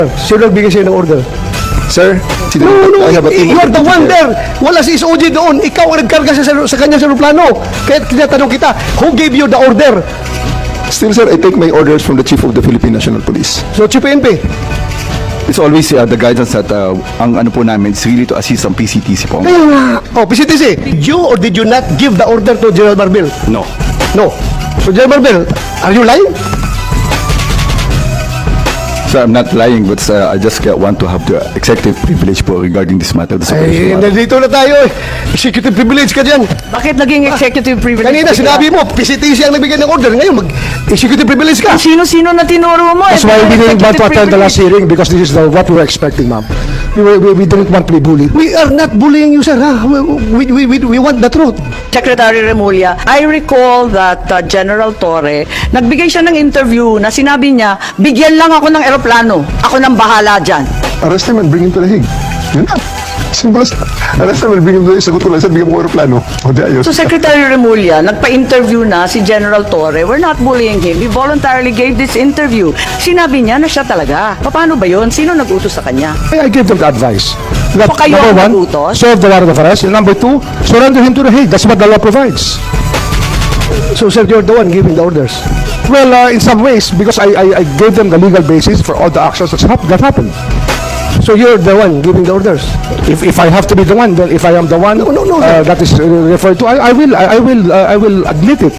Sino nagbigay sa'yo ng order? Sir, No, I have a team you of are the people one there. there. Wala si SOG doon. Ikaw ang nagkarga sa kanya sa aeroplano. Kaya tinatanong kita, who gave you the order? Still, sir, I take my orders from the Chief of the Philippine National Police. So, Chief PNP. It's always the guidance that ang ano po namin is really to assist ang PCTC po. Kaya nga. Oh, PCTC, did you or did you not give the order to General Marbil? No. No. So, General Marbil, are you lying? So I'm not lying, but I just want to have the executive privilege po regarding this matter. This Ay, operation matter. nandito na tayo eh. Executive privilege ka dyan. Bakit naging executive privilege? Kanina, sinabi mo, PCTC ang nagbigay ng order. Ngayon, mag-executive privilege ka. Sino-sino na tinuro mo? That's why we didn't want to attend the last hearing, because this is what we were expecting, ma'am. We didn't want to be bullied. We are not bullying you, sir. Ha? We want the truth. Secretary Remulla, I recall that General Torre, nagbigay siya ng interview na sinabi niya, bigyan lang ako ng eroplano. Ako nang bahala dyan. Arrest him and bring him to the Hague. Yun na. Simple as arrest him and bring him to the Hague. Sagot ko lang, sir, bigyan mo ko aeroplano. O di ayos. So Secretary Remulla, nagpa-interview na si General Torre. We're not bullying him. He voluntarily gave this interview. Sinabi niya na siya talaga. Paano ba yun? Sino nag-utos sa kanya? I gave them the advice. That, So kayo number ang one, nagutos? serve the warrant of arrest. And number two, surrender him to the Hague. That's what the law provides. So, sir, you're the one giving the orders. Well, in some ways, because I gave them the legal basis for all the actions that happened. So, you're the one giving the orders. If I have to be the one, then if I am the one No, sir. that is referred to, I will admit it.